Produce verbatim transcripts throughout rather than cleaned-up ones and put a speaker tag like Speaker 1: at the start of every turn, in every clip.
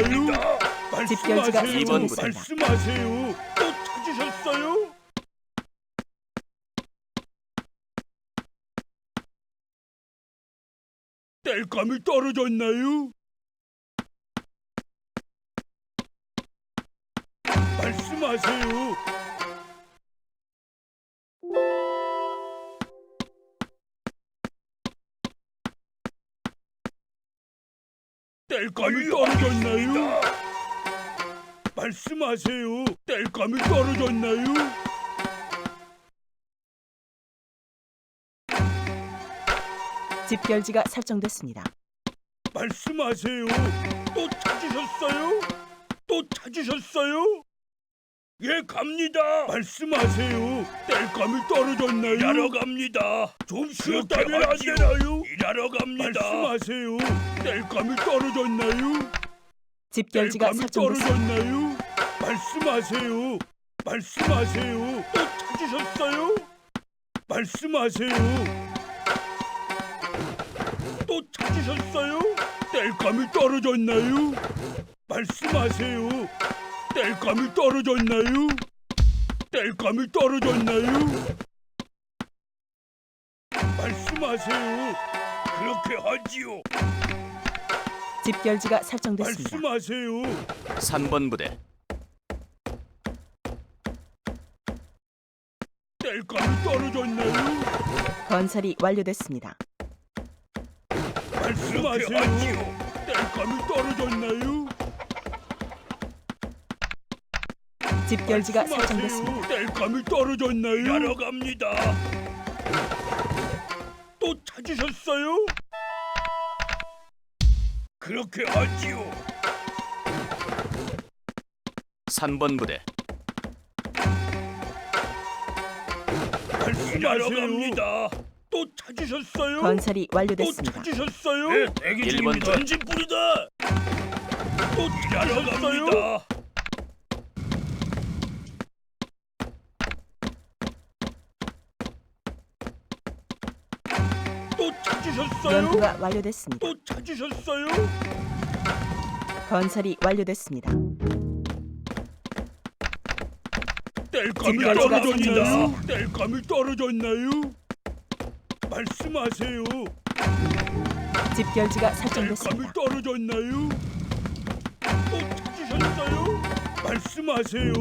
Speaker 1: 떨어졌나요?
Speaker 2: 집결지가
Speaker 1: 말씀하세요.
Speaker 2: 설정됐습니다.
Speaker 1: 말씀하세요. 또 찾으셨어요? 땔감이 떨어졌나요? 말씀하세요. 땔감이 떨어졌나요? 말씀하세요. 땔감이 떨어졌나요?
Speaker 2: 집결지가 설정됐습니다.
Speaker 1: 말씀하세요. 또 찾으셨어요? 또 찾으셨어요? 예, 갑니다. 말씀하세요. 땔감이 떨어졌나요? 일하러 갑니다. 좀 쉬었다면 안 되나요? 일하러 갑니다. 말씀하세요. 땔감이 떨어졌나요?
Speaker 2: 집결지가
Speaker 1: 땔감이
Speaker 2: 설정됐습니다.
Speaker 1: 떨어졌나요? 말씀하세요. 말씀하세요. 또 찾으셨어요? 말씀하세요. 또 찾으셨어요? 땔감이 떨어졌나요? 말씀하세요. 땔감이 떨어졌나요? 땔감이 떨어졌나요? 말씀하세요. 그렇게 하지요.
Speaker 2: 집결지가 설정됐습니다.
Speaker 1: 말씀하세요.
Speaker 3: 삼 번 부대
Speaker 1: 땔감이 떨어졌나요?
Speaker 2: 건설이 완료됐습니다.
Speaker 1: 말씀하세요. 땔감이 떨어졌나요?
Speaker 2: 집결지가
Speaker 1: 말씀하세요.
Speaker 2: 설정됐습니다.
Speaker 1: 땔감이 떨어졌나요? 일하러 갑니다. 또 찾으셨어요? 그렇게 하지요.
Speaker 3: 삼 번 부대
Speaker 1: 말씀하세요. 갑니다. 또 찾으셨어요?
Speaker 2: 건설이
Speaker 1: 또
Speaker 2: 완료됐습니다.
Speaker 1: 찾으셨어요? 네, 대기
Speaker 3: 일 번
Speaker 1: 중입니다. 전진 뿌리다. 또 일하러 갑니다. 또 찾으셨어요?
Speaker 2: 연구가 완료됐습니다.
Speaker 1: 또 찾으셨어요?
Speaker 2: 건설이 완료됐습니다.
Speaker 1: 땔감이
Speaker 2: 집결지가
Speaker 1: 떨어졌나요?
Speaker 2: 설정됐습니다.
Speaker 1: 땔감이 떨어졌나요? 말씀하세요.
Speaker 2: 집결지가
Speaker 1: 땔감이
Speaker 2: 설정됐습니다.
Speaker 1: 떨어졌나요? 또 찾으셨어요? 말씀하세요.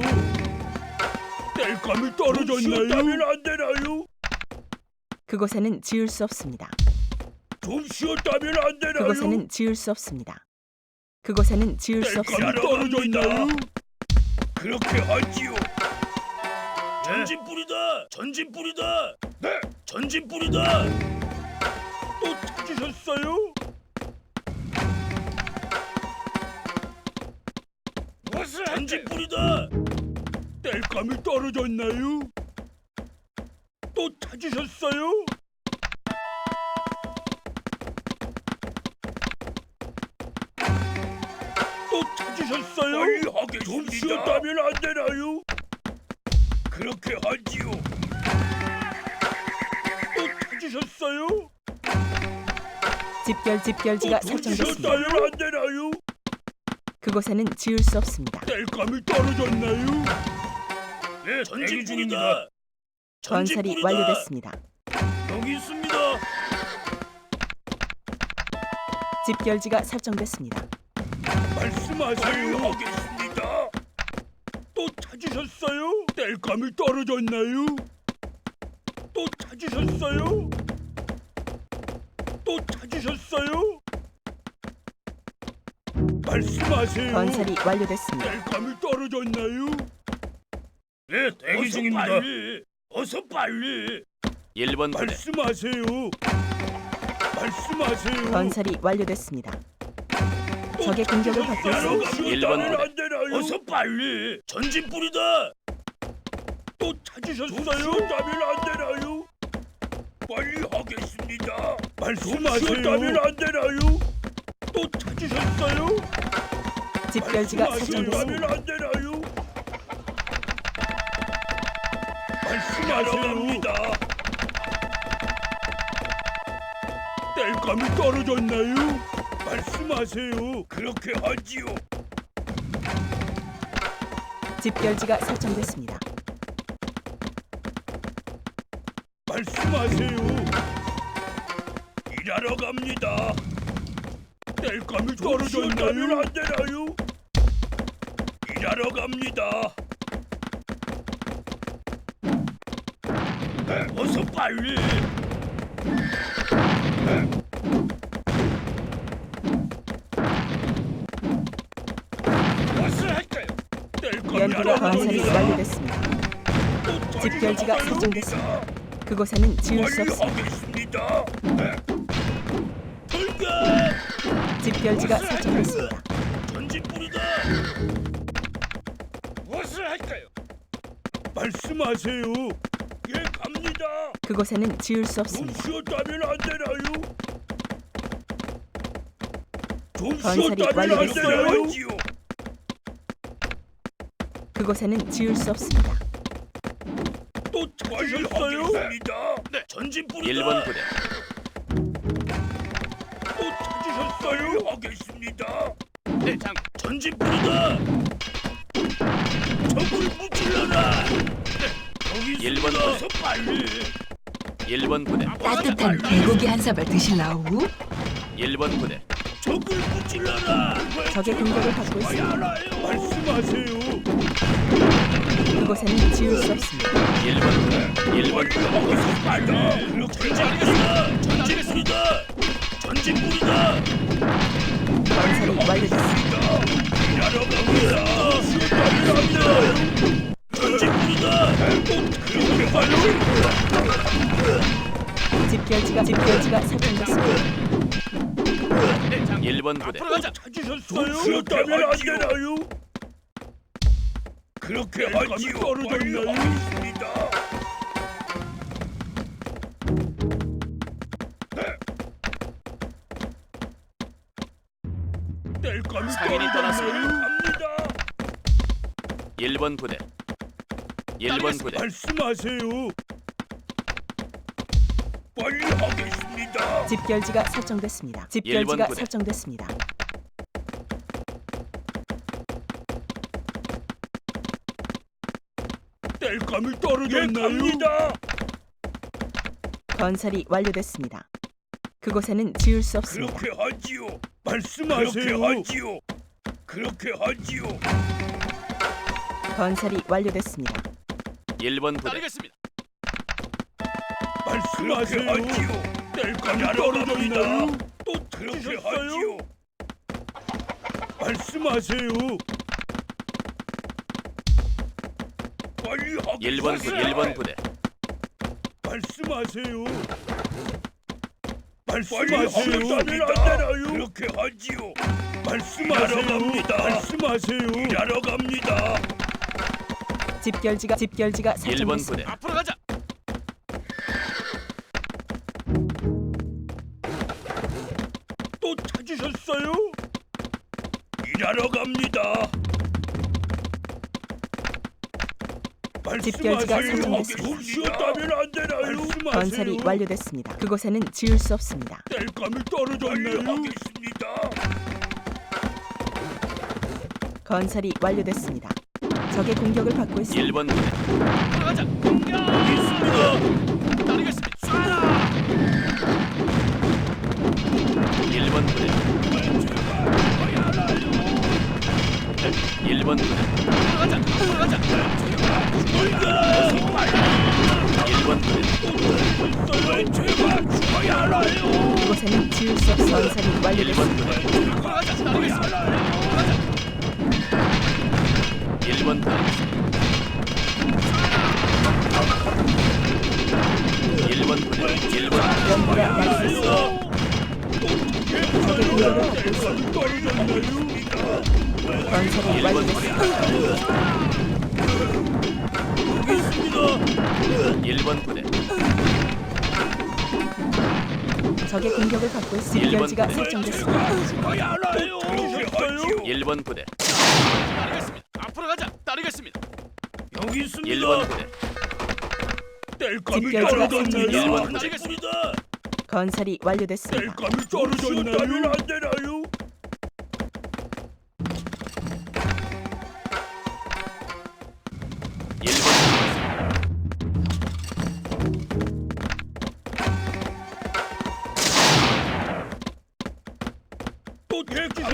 Speaker 1: 땔감이 떨어졌나요? 쉬었다면 안 되나요?
Speaker 2: 그곳에는 지을 수 없습니다.
Speaker 1: 좀 쉬었다면 안 되나요?
Speaker 2: 그곳에는 지을 수 없습니다. 그곳에는 지을 수
Speaker 1: 땔감이
Speaker 2: 없습니다.
Speaker 1: 떨어졌나요? 그렇게 하지요. 전진 뿌리다. 전진 뿌리다. 네. 전진 뿌리다. 또 찾으셨어요? 무슨 전진 뿌리다. 땔감이 떨어졌나요? 또 찾으셨어요? 또 찾으셨어요? 빨리 하겠습니다. 좀 쉬었다면 안 되나요? 그렇게 하지요. 또 찾으셨어요?
Speaker 2: 집결 집결지가
Speaker 1: 또
Speaker 2: 설정됐습니다.
Speaker 1: 쉬었다면 안 되나요?
Speaker 2: 그곳에는 지을 수 없습니다.
Speaker 1: 땔감이 떨어졌나요? 네, 전진 중입니다.
Speaker 2: 건설이 완료됐습니다.
Speaker 1: 여기 있습니다.
Speaker 2: 집결지가 설정됐습니다.
Speaker 1: 말씀하세요. 하겠습니다. 또 찾으셨어요? 땔감이 떨어졌나요? 또 찾으셨어요? 또 찾으셨어요? 말씀하세요.
Speaker 2: 건설이 완료됐습니다.
Speaker 1: 땔감이 떨어졌나요? 네, 대기 중입니다. 빨리. 어서 빨리.
Speaker 3: 일 번 부대
Speaker 1: 말씀하세요. 말씀하세요.
Speaker 2: 건설이 완료됐습니다.
Speaker 1: 또
Speaker 2: 적의 공격을 받고
Speaker 1: 찾으셨어요?
Speaker 2: 있습니다.
Speaker 3: 일 번
Speaker 1: 쉬었다면
Speaker 3: 부대.
Speaker 1: 안 되나요? 어서 빨리. 전진 뿌리다. 또 찾으셨어요? 쉬었다면 안 되나요? 빨리 하겠습니다. 말씀하세요. 쉬었다면 안 되나요? 또 찾으셨어요?
Speaker 2: 집결지가
Speaker 1: 말씀하세요.
Speaker 2: 설정됐습니다.
Speaker 1: 안 되나요? 말씀하세요. 땔감이 떨어졌나요? 말씀하세요. 그렇게 하지요.
Speaker 2: 집결지가 설정됐습니다.
Speaker 1: 말씀하세요. 일하러 갑니다. 땔감이 떨어졌나요? 안 되나요? 일하러 갑니다. 어서 빨리. 무엇을 할까요? 땔감이
Speaker 2: 연구가 건설이
Speaker 1: 떨어졌나요?
Speaker 2: 완료됐습니다. 집결지가 설정됐습니다. 그곳에는 지을 수
Speaker 1: 빨리
Speaker 2: 없습니다.
Speaker 1: 하겠습니다. 돌격!
Speaker 2: 집결지가 설정됐습니다.
Speaker 1: 전진 뿌리다. 무엇을 할까요? 말씀하세요. 예, 갑니다.
Speaker 2: 그곳에는 지을 수
Speaker 1: 좀
Speaker 2: 없습니다.
Speaker 1: 쉬었다면 안 되나요? 좀
Speaker 2: 건설이
Speaker 1: 쉬었다면 안
Speaker 2: 완료됐어요.
Speaker 1: 되나요?
Speaker 2: 그곳에는 지을 수 없습니다.
Speaker 1: 또 찾으셨어요? 네, 전진 뿌리다.
Speaker 3: 일 번 부대
Speaker 1: 또 찾으셨어요? 하겠습니다.
Speaker 3: 네, 장
Speaker 1: 전진 뿌리다. 적을 무찔러라. 여기
Speaker 3: 일 번
Speaker 1: 있습니다. 어서 빨리.
Speaker 3: 일 번 부대
Speaker 4: 따뜻한 불고기 한 사발 드실라우?
Speaker 3: 일 번 부대
Speaker 1: 적을 무찔러라.
Speaker 2: 적의 공격을 받고 있습니다.
Speaker 1: 말씀하세요.
Speaker 2: 그곳에는 지을 수 없습니다.
Speaker 3: 일 번 부대 일 번 부대
Speaker 1: 어서 빨리. 전진뿌리다. 전진뿌리다. 전진뿌리다.
Speaker 2: 건설이 완료됐습니다.
Speaker 1: 일하러 갑니다. 시간이 전진뿌리다. 그렇게 빨리.
Speaker 2: 집결지가 집결지가 설정됐습니다.
Speaker 3: 일 번 부대
Speaker 1: 찾으셨어요? 쉬었다면 안 되나요? 그렇게 하지요. 떨어졌나요? 있습니다. 땔감이
Speaker 3: 상인이
Speaker 1: 떨어졌나요? 갑니다.
Speaker 3: 일 번 부대 일 번 부대
Speaker 1: 말씀하세요. 빨리 하겠습니다.
Speaker 2: 집결지가 설정됐습니다. 집결지가
Speaker 3: 부대.
Speaker 2: 설정됐습니다.
Speaker 1: 땔감이 떨어졌나요? 갑니다.
Speaker 2: 건설이 완료됐습니다. 그곳에는 지을 수 없습니다.
Speaker 1: 그렇게 하지요. 말씀하세요. 그렇게 하지요. 그렇게 하지요.
Speaker 2: 건설이 완료됐습니다.
Speaker 3: 일 번 부대
Speaker 1: 말씀하세요. 하지요. 땔감이 떨어졌나요? 또 그렇게 하지요. 말씀하세요. 빨리 하겠습니다.
Speaker 3: 일 번 부대 일 번 부대
Speaker 1: 말씀하세요. 말씀하세요. 안 되나요? 그렇게 하지요. 말씀하세요. 갑니다. 말씀하세요. 일하러 갑니다.
Speaker 2: 집결지가 집결지가
Speaker 3: 일 번 부대
Speaker 2: 설정됐습니다.
Speaker 3: 앞으로 가자
Speaker 1: 또 찾으셨어요? 일하러 갑니다.
Speaker 2: 집결지가
Speaker 1: 말씀하세요.
Speaker 2: 설정됐습니다.
Speaker 1: 좀 쉬었다면 안 되나요?
Speaker 2: 건설이
Speaker 1: 말씀하세요.
Speaker 2: 완료됐습니다. 그곳에는 지을 수 없습니다.
Speaker 1: 땔감이 떨어졌나요? 하겠습니다.
Speaker 2: 건설이 완료됐습니다. 적의 공격을 받고 있습니다.
Speaker 3: 일 번 부대 앞으로 가자
Speaker 1: 있습니다.
Speaker 3: 따르겠습니다 쏴라 일 번 부대 일 번 부대 앞으로 가자 앞으로 가자 일 번 부대
Speaker 1: 제발 죽어야 알아요.
Speaker 2: 그곳에는 지을 수 없 건설이
Speaker 3: 일 번
Speaker 2: 완료됐습니다.
Speaker 3: 부대 앞으로 가자 따르겠습니다 일 번 부대 일 번 부대 일 번 부대
Speaker 2: 연구가 완료됐습니다. 적의 공격을 받고 있습니다.
Speaker 1: 떨어졌나요?
Speaker 2: 건설이 완료됐습니다.
Speaker 3: 일 번 부대
Speaker 2: 적의 공격을 받고 있습니다.
Speaker 3: 일 번
Speaker 2: 집결지가
Speaker 3: 부대.
Speaker 2: 설정됐습니다.
Speaker 1: 죽어야 알아요. 들으셨어요?
Speaker 3: 일 번 부대 따르겠습니다 앞으로 가자 따르겠습니다
Speaker 1: 여기 있습니다.
Speaker 3: 일 번 부대
Speaker 1: 땔감이
Speaker 2: 집결지가
Speaker 1: 떨어졌나요?
Speaker 3: 일 번 부대.
Speaker 1: 알겠습니다.
Speaker 2: 건설이 완료됐습니다.
Speaker 1: 땔감이 떨어졌나요? 안 되나요?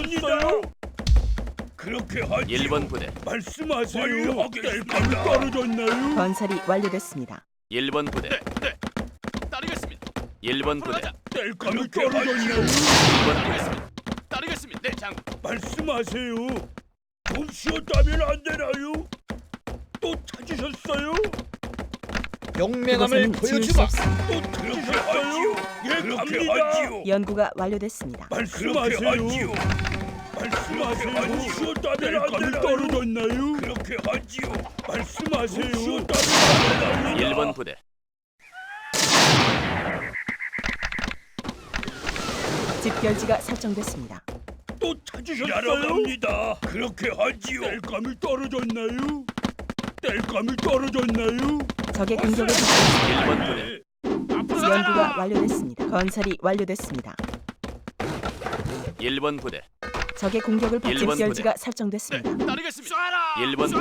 Speaker 1: 갑니다요? 그렇게 하지요.
Speaker 3: 일 번 부대
Speaker 1: 말씀하세요. 뗄감이 떨어졌나요?
Speaker 2: 건설이 완료됐습니다.
Speaker 3: 일 번 부대
Speaker 5: 네, 네. 따르겠습니다.
Speaker 3: 일 번
Speaker 5: 앞으로
Speaker 3: 부대
Speaker 5: 가자.
Speaker 1: 뗄감이 떨어졌나요?
Speaker 3: 이 번 부대
Speaker 5: 따르겠습니다. 따르겠습니다. 네, 장군.
Speaker 1: 말씀하세요. 좀 쉬었다면 안 되나요? 또 찾으셨어요?
Speaker 2: 그곳에는 지을 수 없습니다.
Speaker 1: 또 찾으셨어요? 예, 갑니다.
Speaker 2: 연구가 완료됐습니다.
Speaker 1: 말씀하세요. 말씀하세요. 쉬었다면 안 되나요? 떨어졌나요? 그렇게 하지요. 말씀하세요. 쉬었다면 안 되나요?
Speaker 3: 일 번 부대
Speaker 2: 집결지가 설정됐습니다.
Speaker 1: 또 찾으셨어요? 일하러 갑니다. 그렇게 하지요. 뗄감이 떨어졌나요? 뗄감이 떨어졌나요?
Speaker 2: 적의 공격을 받고 있습니다.
Speaker 3: 일 번 부대
Speaker 5: 앞으로 가자.
Speaker 2: 연구가 완료됐습니다. 건설이 완료됐습니다.
Speaker 3: 일 번 부대
Speaker 2: 적의 공격을 받고
Speaker 3: 일 번
Speaker 2: 집결지가
Speaker 5: 네,
Speaker 2: 설정됐습니다.
Speaker 5: 따르겠습니다. 쏴라.
Speaker 3: 일 번 부대.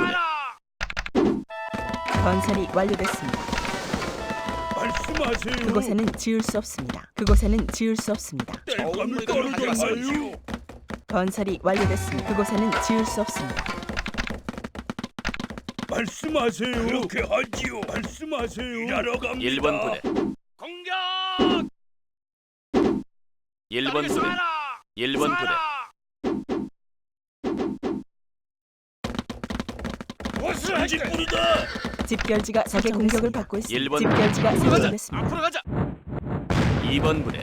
Speaker 5: 쏴라.
Speaker 2: 건설이 완료됐습니다.
Speaker 1: 말씀하세요.
Speaker 2: 그곳에는 지을 수 없습니다. 그곳에는 지을 수 없습니다.
Speaker 1: 뗄감이 떨어졌나요?
Speaker 2: 건설이 완료됐습니다. 그곳에는 지을 수 없습니다.
Speaker 1: 말씀하세요. 그렇게 하지요. 말씀하세요. 일하러 갑니다.
Speaker 3: 일 번 부대
Speaker 5: 공격.
Speaker 3: 일 번 부대
Speaker 5: 쏴라.
Speaker 3: 일 번 부대
Speaker 1: 전진불이다.
Speaker 2: 집결지가 적의 공격을 받고
Speaker 3: 일 번
Speaker 2: 있습니다. 집결지가 설정됐습니다.
Speaker 5: 앞으로 가자.
Speaker 3: 이 번 부대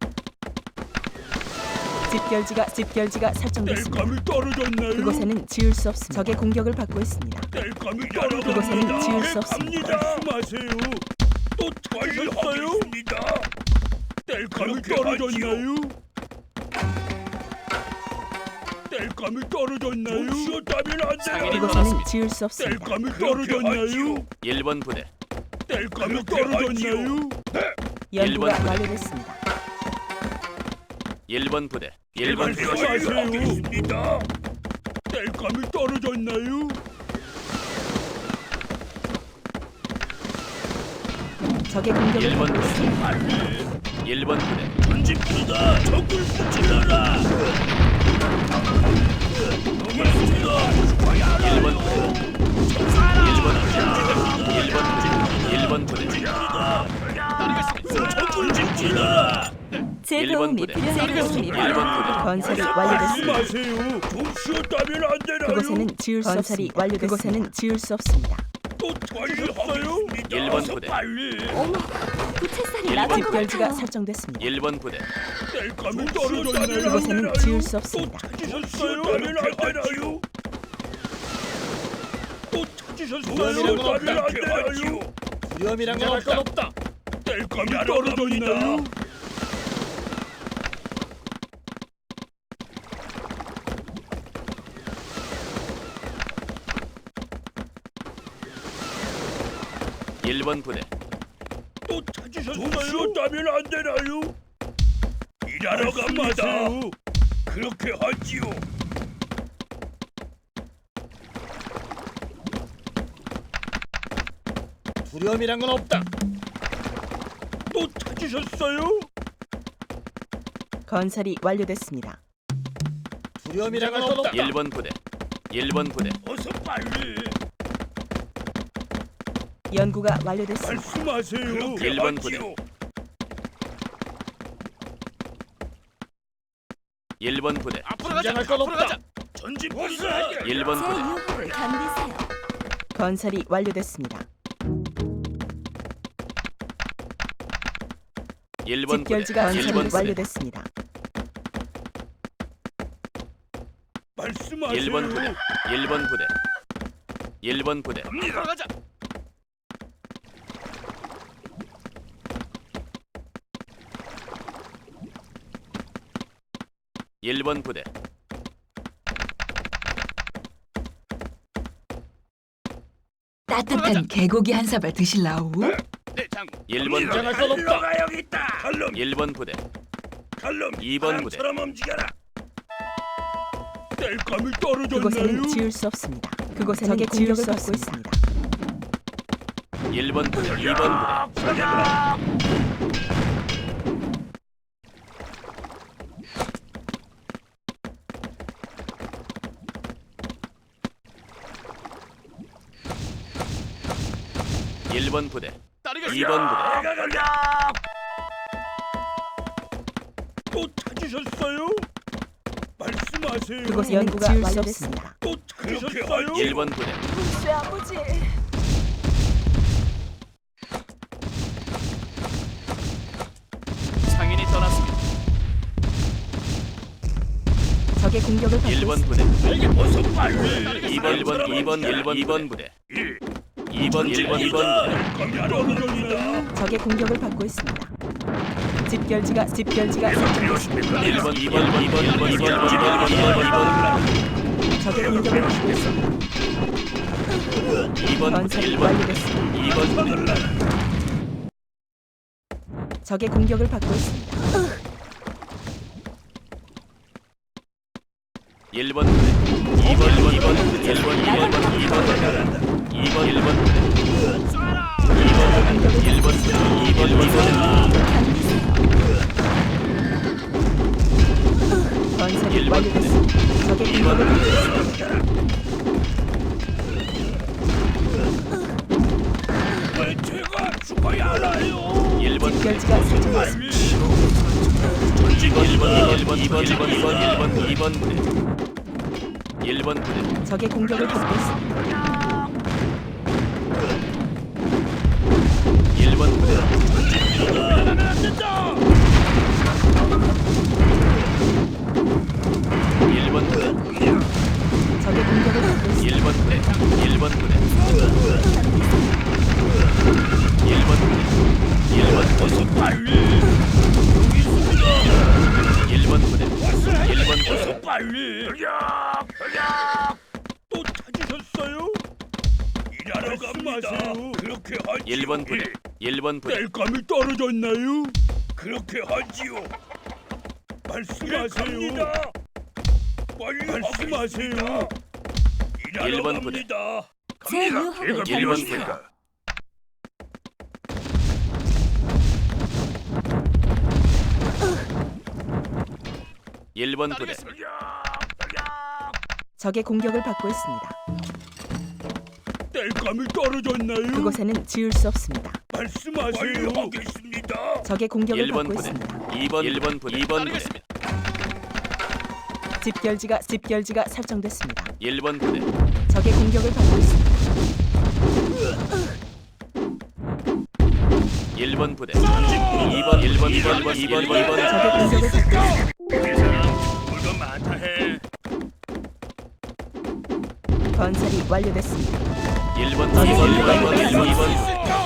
Speaker 2: 집결지가 집결지가 설정됐습니다.
Speaker 1: 뗄감이 떨어졌나요?
Speaker 2: 그곳에는 지을 수 없습니다. 적의 공격을 받고 있습니다.
Speaker 1: 뗄감이 떨어졌습니다.
Speaker 2: 그곳에는 지을 수 없습니다.
Speaker 1: 말씀하세요. 또 찾으셨어요? 뗄감이 떨어졌나요? 뗄감이 떨어졌나요? 좀 쉬었다면 안
Speaker 3: 상인이
Speaker 1: 되나요?
Speaker 2: 그곳에는 지을 수 없습니다.
Speaker 1: 뗄감이 떨어졌나요?
Speaker 3: 일 번 부대
Speaker 1: 뗄감이 떨어졌나요?
Speaker 2: 연구가
Speaker 3: 일 번 부대.
Speaker 2: 완료됐습니다.
Speaker 3: 일 번 부대 일 번 부대
Speaker 1: 말씀하세요. 뗄감이 떨어졌나요?
Speaker 2: 적의 공격을
Speaker 3: 일 번
Speaker 2: 받고
Speaker 3: 부대
Speaker 2: 있습니다.
Speaker 3: 일 번 부대
Speaker 1: 전진불이다. 적을 붙이려라.
Speaker 3: 일 번 부대 일 번 부대 일 번 부대 일 번 부대
Speaker 1: 적을 붙이려라.
Speaker 2: 제
Speaker 3: 일 번 부대 일 번 부대
Speaker 2: 건설이 완료됐습니다.
Speaker 1: 말씀하세요. 좀 쉬었다면 안 되나요?
Speaker 2: 그곳에는 지을 수 건설이 없습니다. 완료됐습니다. 그곳에는 지을 수 없습니다.
Speaker 1: 또 찾으셨어요?
Speaker 3: 일 번 부대
Speaker 1: 빨리.
Speaker 3: 일 번 부대
Speaker 2: 집결지가 설정됐습니다.
Speaker 3: 일 번 부대
Speaker 1: 뗄감이 떨어졌나요?
Speaker 2: 그곳에는 지을 수 없습니다.
Speaker 1: 또 찾으셨어요? 쉬었다면 안 되나요? 또 찾으셨어요? 쉬었다면 안 되나요?
Speaker 5: 위험이란 건 할 건 없다.
Speaker 1: 뗄감이 떨어졌나요?
Speaker 3: 일 번 부대
Speaker 1: 또 찾으셨어요? 좀 쉬었다면 안 되나요? 일하러 갑니다. 그렇게 하지요.
Speaker 5: 두려움이란 건 없다.
Speaker 1: 또 찾으셨어요?
Speaker 2: 건설이 완료됐습니다.
Speaker 5: 두려움이란 건 없다.
Speaker 3: 일 번 부대 일 번 부대
Speaker 1: 어서 빨리.
Speaker 2: 연구가 완료됐습니다.
Speaker 1: 말씀하세요.
Speaker 3: 일 번 부대. 일 번 부대
Speaker 5: 앞으로 가자. 앞으로 가자.
Speaker 1: 전진불이다.
Speaker 3: 일 번 부대
Speaker 2: 건설이 완료됐습니다.
Speaker 3: 일 번 부대
Speaker 2: 집결지가
Speaker 3: 일 번
Speaker 2: 건설이
Speaker 3: 부대
Speaker 2: 완료됐습니다.
Speaker 1: 말씀하세요.
Speaker 3: 일 번 부대 일 번 부대 일 번 부대
Speaker 5: 앞으로 가자.
Speaker 3: 일 번 부대
Speaker 4: 따뜻한 개고기 한 사발 드실라우?
Speaker 5: 네, 장군.
Speaker 3: 일 번 부대
Speaker 5: 건 없다.
Speaker 1: 가야겠다. 칼럼,
Speaker 3: 일 번 부대
Speaker 1: 칼럼.
Speaker 3: 이 번 부대
Speaker 1: 사람 움직여라. 뗄감이
Speaker 2: 그곳에는
Speaker 1: 떨어졌나요?
Speaker 2: 지을 수 없습니다. 그곳에는 적의 공격을 받고 있습니다.
Speaker 3: 일 번 부대 이 번 부대 일 번 부대,
Speaker 5: 따르겠습니다.
Speaker 3: 이 번 부대,
Speaker 1: 내가 간다. 또 찾으셨어요? 말씀하세요.
Speaker 2: 그곳에는
Speaker 6: 연구가
Speaker 2: 지울 수
Speaker 6: 완료됐습니다.
Speaker 2: 없습니다.
Speaker 1: 또 찾으셨어요?
Speaker 3: 일 번 부대,
Speaker 6: 쇠 아버지.
Speaker 3: 상인이 떠났습니다.
Speaker 2: 적의 공격을 받고
Speaker 3: 일 번
Speaker 2: 있습니다.
Speaker 3: 부대,
Speaker 1: 알게 어서 빨리.
Speaker 3: 이 번, 일 번, 이 번, 일 번, 이 번 부대, 이 번, 일 번, 이 번 부대,
Speaker 1: 떨어집니다.
Speaker 2: 적의 공격을 받고 있습니다. 집결지가 집결지가 설정됐습니다.
Speaker 3: 일 번, 이 번, 이 번, 이 번, 이 번, 이 번, 이 번, 이 번, 이 번,
Speaker 2: 적의 공격을 받고 있습니다.
Speaker 3: 이 번 부대,
Speaker 2: 건설이
Speaker 3: 일 번 부대,
Speaker 2: 완료됐습니다.
Speaker 3: 이 번 부대,
Speaker 2: 적의 공격을 받고 있습니다.
Speaker 3: 일 번 부대, 이 번, 이 번, 일 번, 이 번, 이 번, 이 번, 일 번 부대, 이 번 부대, 일 번 부대, 이 번, 이 번,
Speaker 2: 건설이
Speaker 3: 일 번
Speaker 2: 완료됐습니다. 적의
Speaker 3: 이 번
Speaker 2: 공격을 받고
Speaker 3: 부대,
Speaker 1: 왜 제가 죽어야 하나요?
Speaker 3: 일 번 부대,
Speaker 2: 집결지가 설정됐습니다.
Speaker 3: 일 번, 일 번, 일 번, 이 번, 이 번, 이 번, 일 번, 이 번 부대, 일 번 부대,
Speaker 2: 적의 공격을 받고 있습니다.
Speaker 3: 일 번 부대,
Speaker 1: 하면 안 된다.
Speaker 3: 일 번 부대,
Speaker 2: 적의 공격을 받고 있습니다.
Speaker 3: 일 번 부대, 일 번 부대, 일 번 부대, 일 번 부대,
Speaker 1: 어서 빨리. 여기 있습니다.
Speaker 3: 일 번 부대, 일 번
Speaker 1: 어서
Speaker 3: 부대,
Speaker 1: 빨리. 야, 야. 또 찾으셨어요? 일하러 갑니다. 그렇게 하지요.
Speaker 3: 일 번 부대, 일 번 부대,
Speaker 1: 뗄감이 떨어졌나요? 그렇게 하지요. 말씀하세요. 빨리 말씀하세요. 일하러
Speaker 3: 일 번 부대.
Speaker 1: 갑니다.
Speaker 6: 제
Speaker 1: 갑니다.
Speaker 6: 유혹을
Speaker 1: 제가
Speaker 3: 일 번
Speaker 1: 필요하십니까?
Speaker 3: 일 번 부대,
Speaker 2: 적의 공격을 받고 있습니다.
Speaker 1: 뗄감이 떨어졌나요?
Speaker 2: 그곳에는 지을 수 없습니다.
Speaker 1: 말씀하세요. 빨리 하겠습니다.
Speaker 2: 적의 공격을
Speaker 3: 일 번
Speaker 2: 받고
Speaker 3: 부대,
Speaker 2: 있습니다.
Speaker 3: 이 번, 일 번 부대, 이 번 부대,
Speaker 2: 집결지가 집결지가 설정됐습니다.
Speaker 3: 일 번 부대,
Speaker 2: 적의 공격을 받고 있습니다.
Speaker 3: 일 번 부대, 이 번, 일 번, 이 번, 이 번, 이 번, 이 번,
Speaker 2: 적의 공격을 받고 있습니다.
Speaker 1: 이 사람 물건 많다 해.
Speaker 2: 건설이 완료됐습니다.
Speaker 3: 일 번, 이 번, 이 번, 이 번, 이 번,